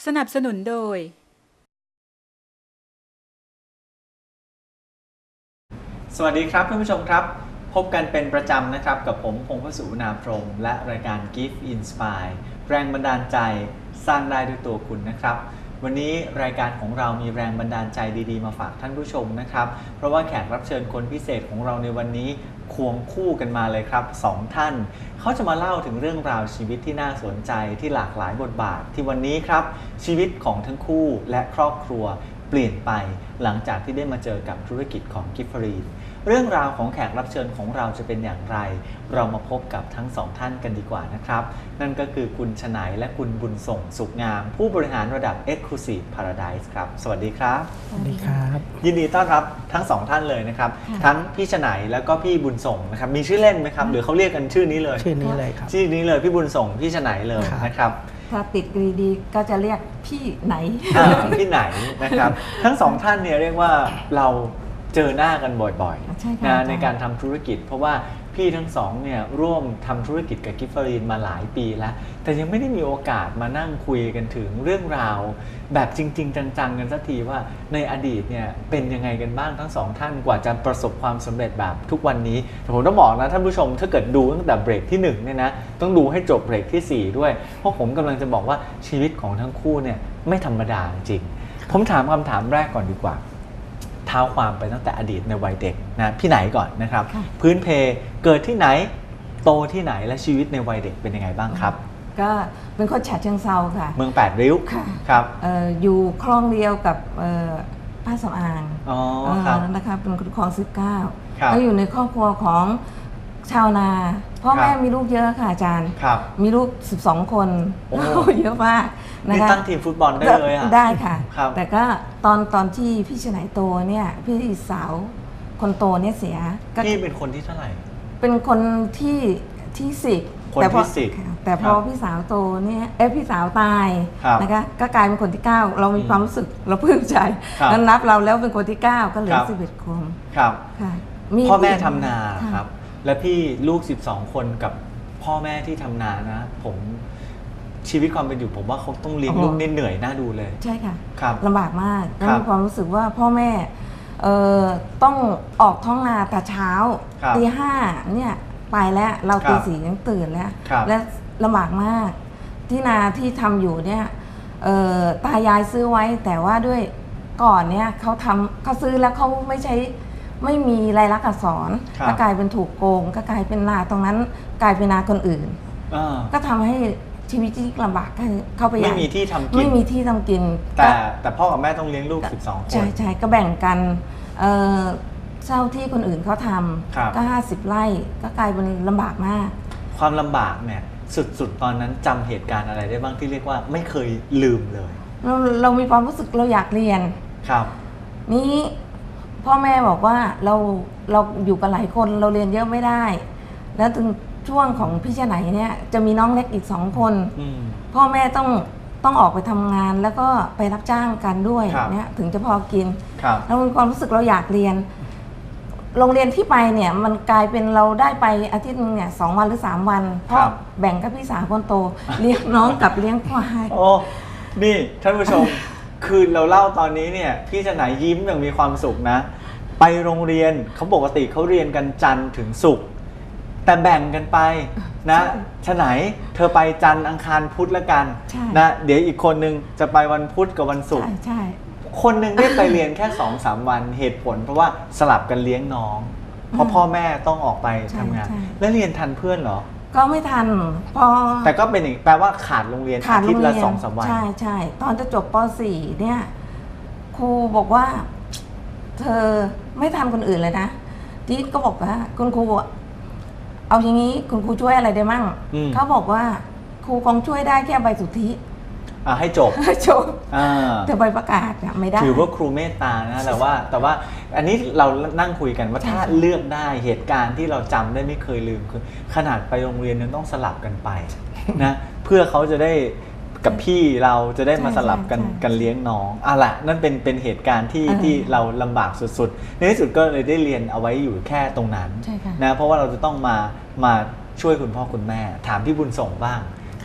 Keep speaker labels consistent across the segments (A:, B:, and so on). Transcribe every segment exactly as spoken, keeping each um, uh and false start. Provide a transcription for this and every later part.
A: สนับสนุนโดย
B: สวัสดีครับท่านผู้ชมครับพบกันเป็นประจำนะครับกับผมพงษ์พสุวรรณพรหมและรายการ Gift Inspire แรงบันดาลใจสร้างได้ด้วยตัวคุณนะครับวันนี้รายการของเรามีแรงบันดาลใจดีๆมาฝากท่านผู้ชมนะครับเพราะว่าแขกรับเชิญคนพิเศษของเราในวันนี้ควงคู่กันมาเลยครับสองท่านเขาจะมาเล่าถึงเรื่องราวชีวิตที่น่าสนใจที่หลากหลายบทบาทที่วันนี้ครับชีวิตของทั้งคู่และครอบครัวเปลี่ยนไปหลังจากที่ได้มาเจอกับธุรกิจของกิฟฟรีนเรื่องราวของแขกรับเชิญของเราจะเป็นอย่างไรเรามาพบกับทั้งสองท่านกันดีกว่านะครับนั่นก็คือคุณชนัยและคุณบุญส่งสุขงามผู้บริหารระดับ Exclusive Paradise ครับสวัสดีครับ
C: สวัสดีครับ
B: ยินดีต้อนรับทั้งสองท่านเลยนะครับทั้งพี่ชนัยแล้วก็พี่บุญส่งนะครับมีชื่อเล่นไหมครับหรือเขาเรียกกันชื่อนี้เลย
C: ชื่อนี้เลยครับ
B: ชื่อนี้เลยพี่บุญส่งพี่ชนัยเลยนะครับ
D: ถ้าติดดีๆก็จะเรียกพี่ไหน
B: พี่ไหนนะครับทั้งสองท่านเนี่ยเรียกว่าเราเจอหน้ากันบ่อยๆนะในการทำธุรกิจเพราะว่าพี่ทั้งสองเนี่ยร่วมทำธุรกิจกับกิฟฟรีนมาหลายปีแล้วแต่ยังไม่ได้มีโอกาสมานั่งคุยกันถึงเรื่องราวแบบจริงๆจังๆกันสักทีว่าในอดีตเนี่ยเป็นยังไงกันบ้างทั้งสองท่านกว่าจะประสบความสำเร็จแบบทุกวันนี้แต่ผมต้องบอกนะท่านผู้ชมถ้าเกิดดูตั้งแต่เบรกที่หนึ่งเนี่ยนะต้องดูให้จบเบรกที่สี่ด้วยเพราะผมกำลังจะบอกว่าชีวิตของทั้งคู่เนี่ยไม่ธรรมดาจริงผมถามคำถามแรกก่อนดีกว่าเท้าความไปตั้งแต่อดีตในวัยเด็กนะพี่ไหนก่อนนะครับพื้นเพเกิดที่ไหนโตที่ไหนและชีวิตในวัยเด็กเป็นยังไงบ้างครับ
D: ก็เป็นคนฉะเชิงเทราค่ะ
B: เมืองแปดริ้วครับ
D: อ, ออยู่คลองเดียวกับป้าสำอาง
B: อ๋อครับ
D: นะคะเป็นคนคลองสิบเก้าก็อยู่ในครอบครัวของชาวนาพ่อแม่มีลูกเยอะค่ะอาจารย์มีลูกสิบสองคนเยอะมาก
B: นะคะตั้งทีมฟุตบอลได้เลยอ่ะ
D: ได้ค่ะแต่ก็ตอนตอนที่พี่ชนัยโตเนี่ยพี่สาวคนโตเนี่ยเสีย
B: พี่เป็นคนที่เท่าไหร่
D: เป็นคนที่ที่สิบ
B: แต่พอสิบ
D: แต่พอพี่สาวโตเนี่ยเอ้พี่สาวตายนะคะก็กลายเป็นคนที่เก้าเรามีความรู้สึกเราปลื้มใจนั้นนับเราแล้วเป็นคนที่เก้าก็เหลือสิบเอ็ดคน
B: ครับพ่อแม่ทำนาครับและพี่ลูกสิบสองคนกับพ่อแม่ที่ทำนานะผมชีวิตความเป็นอยู่ผมว่าเขาต้องเลี้ยงลูกเหนื่อยน่าดูเลย
D: ใช่ค่ะลำบากมากแล้วมีความรู้สึกว่าพ่อแม่ต้องออกท้องนาแต่เช้าตีห้าเนี่ยไปแล้วเราตีสี่ยังตื่นแล้วและลำบากมากที่นาที่ทำอยู่เนี่ยตายายซื้อไว้แต่ว่าด้วยก่อนเนี่ยเขาทำเขาซื้อแล้วเขาไม่ใช้ไม่มีลายลักษณ์อักษรก็กลายเป็นถูกโกงก็กลายเป็นนาตรงนั้นกลายเป็นนาคนอื่นก็ทำให้ชีวิตที่ลำบากเข้าไป
B: ไม่มีที่ทำกิน
D: ไม่มีที่ทำกิน
B: แต่แต่พ่อกับแม่ต้องเลี้ยงลูกสิบสองคน
D: ใช่ใช่ก็แบ่งกันเช่าที่คนอื่นเขาทำก็ห้าสิบไร่ก็กลายเป็นลำบากมาก
B: ความลำบากเนี่ยสุดๆตอนนั้นจำเหตุการณ์อะไรได้บ้างที่เรียกว่าไม่เคยลืมเลย
D: เราเรามีความรู้สึกเราอยากเรียน
B: ครับ
D: นี้พ่อแม่บอกว่าเราเราอยู่กันหลายคนเราเรียนเยอะไม่ได้แล้วถึงช่วงของพี่ชนัยเนี่ยจะมีน้องเล็กอีกสองคนพ่อแม่ต้องต้องออกไปทำงานแล้วก็ไปรับจ้างกันด้วยเนี่ยถึงจะพอกินแล้วมีความรู้สึกเราอยากเรียนโรงเรียนที่ไปเนี่ยมันกลายเป็นเราได้ไปอาทิตย์นึงเนี่ยสองวันหรือสามวันเพราะแบ่งกับพี่สาวคนโตเลี้ยงน้องกับเลี้ยงควาย
B: โอ้นี่ท่านผู้ชมคือเราเล่าตอนนี้เนี่ยพี่ชนัยยิ้มอย่างมีความสุขนะไปโรงเรียนเขาปกติเขาเรียนกันจันทร์ถึงศุกร์แต่แบ่งกันไปนะชนัยเธอไปจันทร์อังคารพุธละกันนะเดี๋ยวอีกคนนึงจะไปวันพุธกับวันศุกร์คนหนึ่งได้ไปเรียนแค่ สองสาม วันเหตุผลเพราะว่าสลับกันเลี้ยงน้องเพราะพ่อแม่ต้องออกไปทำงานแล้วเรียนทันเพื่อนเหรอ
D: ก็ไม่ทันพอ
B: แต่ก็เป็นอย่างแปลว่าขาดโรงเรียนอาทิตย์ละ สองสาม วัน
D: ใช่ใช่ตอนจะจบป สี่เนี่ยครูบอกว่าเธอไม่ทันคนอื่นเลยนะทีก็บอกว่าคุณครูเอาอย่างนี้คุณครูช่วยอะไรได้มั่งเขาบอกว่าครูคงช่วยได้แค่ใบสุทธิ
B: ให้จบ
D: ให้จบแต่ใบประกาศไม่ได้
B: ถือว่าครูเมตตานะแต่ว่าแต่ว่าอันนี้เรานั่งคุยกันว่าถ้าเลือกได้เหตุการณ์ที่เราจำได้ไม่เคยลืมคือขนาดไปโรงเรียนยังต้องสลับกันไปนะเพื่อเขาจะได้กับพี่เราจะได้มาสลับกันกันเลี้ยงน้องอ่ะละนั่นเป็นเป็นเหตุการณ์ที่ที่เราลำบากสุดๆในที่สุดก็เลยได้เรียนเอาไว้อยู่แค่ตรงนั้นนะเพราะว่าเราจะต้องมามาช่วยคุณพ่อคุณแม่ถามพี่บุญส่งบ้างนี่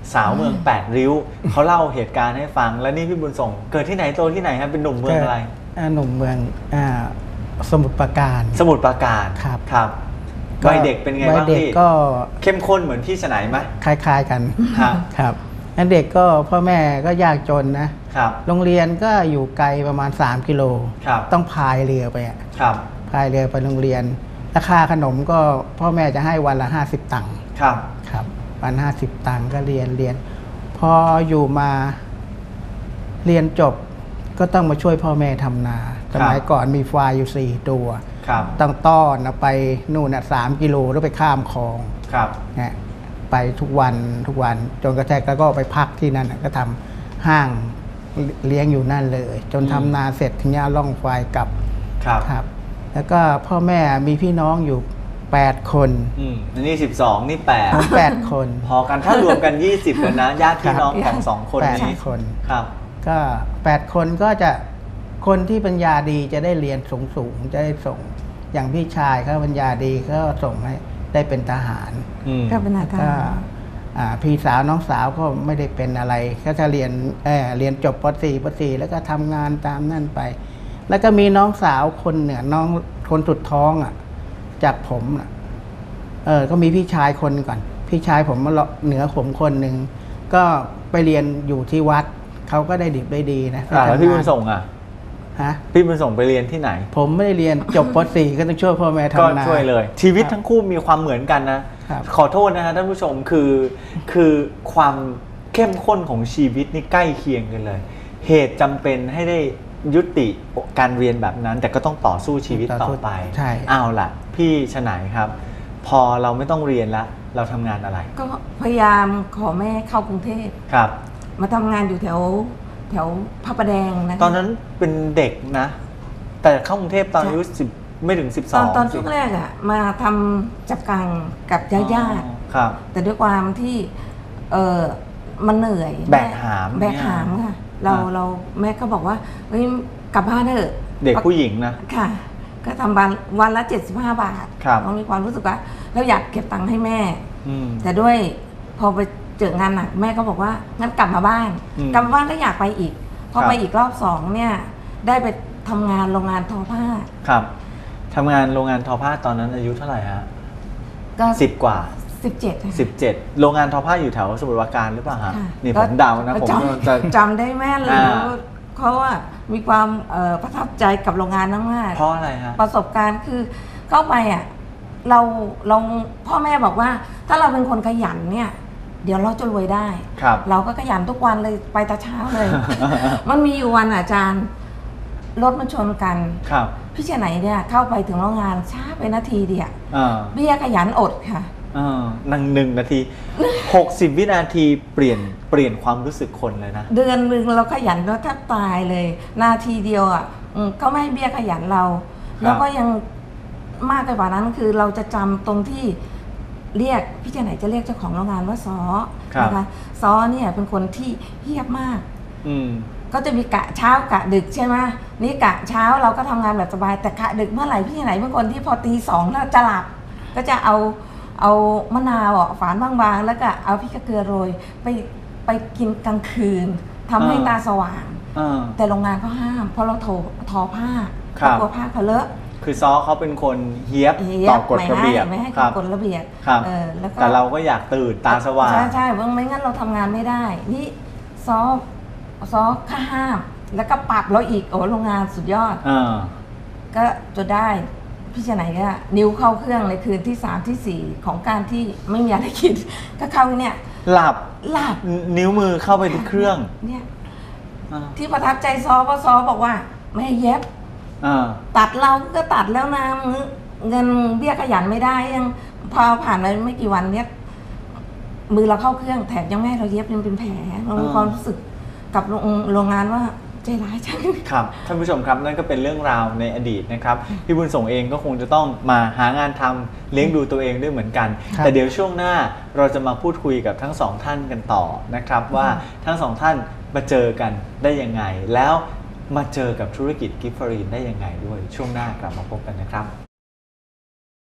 B: สาวเมืองแปดริ้วเขาเล่าเหตุการณ์ให้ฟังแล้วนี่พี่บุญส่งเกิดที่ไหนโตที่ไหนครับเป็นหนุ่มเมืองอะไร
A: หนุ่มเมืองสมุทรปราการ
B: สมุทรปราการ
A: ครับ
B: ครับวัยเด็กเป็นไงบ้างพี่
A: ก็
B: เข้มข้นเหมือนพี่ฉไนไหม
A: คล้ายๆกันครับครับนั่นเด็กก็พ่อแม่ก็ยากจนนะครับโรงเรียนก็อยู่ไกลประมาณสามกิโลต้องพายเรือไป
B: ครับ
A: พายเรือไปโรงเรียนราคาขนมก็พ่อแม่จะให้วันละห้าสิบตังค์
B: ครับ
A: ครับวันห้าสิบตังค์ก็เรียนเรียนพออยู่มาเรียนจบก็ต้องมาช่วยพ่อแม่ทำนาสมัยก่อนมีควายอยู่สี่ตัวต้องต้อนเอาไปนู่นน่ะสามกิโลแล้วไปข้ามคลองเนี่ยไปทุกวันทุกวันจนกระทั่งแล้วก็ไปพักที่นั่นก็ทำห้างเลี้ยงอยู่นั่นเลยจนทำนาเสร็จถึงจะล่องควายกลับครับแล้วก็พ่อแม่มีพี่น้องอยู่แปดคน
B: อืมอันนี้สิบสองนี่แปด
A: แปดคน
B: พอกันถ้ารวมกันยี่สิบเลยนะญาติพี่น้องของสองคนนี้
A: คน
B: ครับ
A: ก็แปดคนก็จะคนที่ปัญญาดีจะได้เรียนสูงสูงจะได้ส่งอย่างพี่ชายเขาปัญญาดีก็ส่งให้ได้เป็นทหาร
D: ก็เป็นทหาร
A: พี่สาวน้องสาวก็ไม่ได้เป็นอะไรก็จะเรียนเออเรียนจบป.สี่ ป.สี่ แล้วก็ทำงานตามนั่นไปแล้วก็มีน้องสาวคนเนี่ยน้องคนสุดท้องอ่ะจากผมอ่ะเออก็มีพี่ชายคนก่อนพี่ชายผมมาเหนือผมคนหนึ่งก็ไปเรียนอยู่ที่วัดเขาก็ได้ดิบได้ดีนะ
B: แล้วพี่บุญส่งอ่ะ
A: ฮะ
B: พี่บุญส่งไปเรียนที่ไหน
A: ผมไม่ได้เรียนจบป.สี่ ก็ต้องช่วยพ่อแม่ทำนา
B: ก็ช่วยเลยชีวิตทั้งคู่มีความเหมือนกันนะขอโทษนะฮะท่านผู้ชมคือคือความเข้มข้นของชีวิตนี่ใกล้เคียงกันเลยเหตุจำเป็นให้ได้ยุติการเรียนแบบนั้นแต่ก็ต้องต่อสู้ชีวิตต่อไปเอาล่ะพี่ฉไนครับพอเราไม่ต้องเรียนแล้วเราทำงานอะไร
D: ก็พยายามขอแม่เข้ากรุงเทพ
B: ครับ
D: มาทำงานอยู่แถวแถวพระประแดงนะ
B: ตอนนั้นเป็นเด็กนะแต่เข้ากรุงเทพตอนอายุสิบไม่ถึงสิบสอง
D: ตอนช่วงแรกอ่ะมาทำจับกังกับญาติญาติแต่ด้วยความที่เออมันเหนื่อย
B: แบกหาม
D: แบกหามค่ะเราเราแม่ก็บอกว่าเฮ้ยกลับบ้านเถอะ
B: เด็กผู้หญิงนะ
D: ค่ะก็ทำวันวันละเจ็ดสิบห้าบาทเรามีความรู้สึกว่าเราอยากเก็บตังค์ให้แม่แต่ด้วยพอไปเจองานหนักแม่ก็บอกว่างั้นกลับมาบ้านกลับมาบ้านก็อยากไปอีกพอไปอีกรอบสองเนี่ยได้ไปทำงานโรงงานทอผ้า
B: ครับทำงานโรงงานทอผ้าตอนนั้นอายุเท่าไหร่ฮะก็สิบกว่า
D: สิบเจ็ด
B: สิบเจ็ดโรงงานทอผ้าอยู่แถวสมุทรปราการหรือเปล่าฮะนี่ผมเดานะผม
D: จะจำได้แม่เลยเขาว่ามีความประทับใจกับโรงงานมาก
B: เพราะอะไรฮะ
D: ประสบการณ์คือเข้าไปอ่ะเราเราพ่อแม่บอกว่าถ้าเราเป็นคนขยันเนี่ยเดี๋ยวเราจะรวยได้เราก็ขยันทุกวันเลยไปแต่เช้าเลย มันมีอยู่วันอาจารย์รถมันชนกันพี่เชียไหนเนี่ยเข้าไปถึงโรงงานช้าไปนาทีเดียวเบี้ยขยันอดค่ะ
B: นั่งหนึ่งนาทีหกสิบวินาทีเปลี่ยนเปลี่ยนความรู้สึกคนเลยนะ
D: เดือนหนึ่งเราขยันแล้วแทบตายเลยนาทีเดียวอ่ะเขาไม่ให้เบี้ยขยันเราแล้วก็ยังมากไปกว่านั้นคือเราจะจำตรงที่เรียกพี่เจไหนจะเรียกเจ้าของโรงงานว่าซอนะคะซอเนี่ยเป็นคนที่เฮี้ยบมากก็จะมีกะเช้ากะดึกใช่ไหมนี่กะเช้าเราก็ทำงานแบบสบายแต่กะดึกเมื่อไหร่พี่เจไหนเป็นคนที่พอตีสองแล้วจะหลับก็จะเอาเอามะนาวอ่ะฝานบางๆแล้วก็เอาพริกเกลือโรยไปไปกินกลางคืนทำให้ตาสว่างแต่โรงงานเขาห้ามเพราะเราโททอผ้ากลัวผ้าเขาเลอะ
B: คือซอเขาเป็นคนเฮี้ยบต่อกฎระเบียบ
D: ไม่ให้กฎระเบียบ
B: แต่เราก็อยากตื่นตาสว่าง
D: ใช่ใช่เพราะไม่งั้นเราทำงานไม่ได้นี่ซอซอข้าห้ามแล้วก็ปรับเราอีกโอ้โรงงานสุดยอดก็จะได้พี่ชไหนก็นิ้วเข้าเครื่องในคืนที่สามที่สี่ของการที่ไม่มีอะไรคิดก็เข้าเนี่ย
B: หลับ
D: หลับ
B: นิ้วมือเข้าไปที่เครื่อง
D: เนี่ยที่ประทับใจซอเพราะซอบอกว่าไม่เย็บตัดเราก็ตัดแล้วนะเงินเบี้ยขยันไม่ได้ยังพอผ่านไปไม่กี่วันเนี้ยมือเราเข้าเครื่องแถมยังไม่ให้เราเย็บยังเป็นแผลเรามีความรู้สึกกับโรงงานว่าใจร้ายจัง
B: ครับท่านผู้ชมครับนั่นก็เป็นเรื่องราวในอดีตนะครับพี่บุญส่งเองก็คงจะต้องมาหางานทำเลี้ยงดูตัวเองด้วยเหมือนกันแต่เดี๋ยวช่วงหน้าเราจะมาพูดคุยกับทั้งสองท่านกันต่อนะครับว่าทั้งสองท่านมาเจอกันได้ยังไงแล้วมาเจอกับธุรกิจกิฟต์ฟอรีนได้ยังไงด้วยช่วงหน้ากลับมาพบกันนะครับ
D: ไม่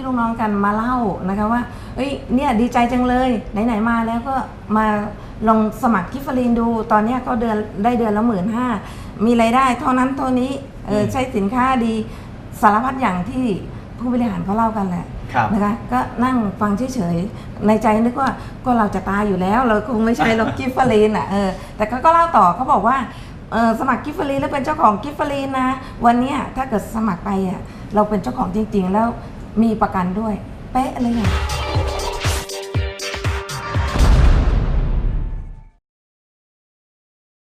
D: ลูกน้องกันมาเล่านะคะว่าเอ้ยเนี่ยดีใจจังเลยไหนๆมาแล้วก็มาลองสมัครกิฟฟลินดูตอนนี้ก็เดือนได้เดือนละหมื่นห้ามีรายได้เท่านั้นเท่านี้เออใช้สินค้าดีสารพัดอย่างที่ผู้บริหารเขาเล่ากันแหละนะคะก็นั่งฟังเฉยๆในใจนึกว่าก็เราจะตายอยู่แล้วเราคงไม่ใช่หรอกกิฟฟลินอ่ะเออแต่เขาก็เล่าต่อเขาบอกว่าเออสมัครกิฟฟลินแล้วเป็นเจ้าของกิฟฟลินนะวันนี้ถ้าเกิดสมัครไปอ่ะเราเป็นเจ้าของจริงๆแล้วมีประกันด้วยเป๊ะเลยอ่ะ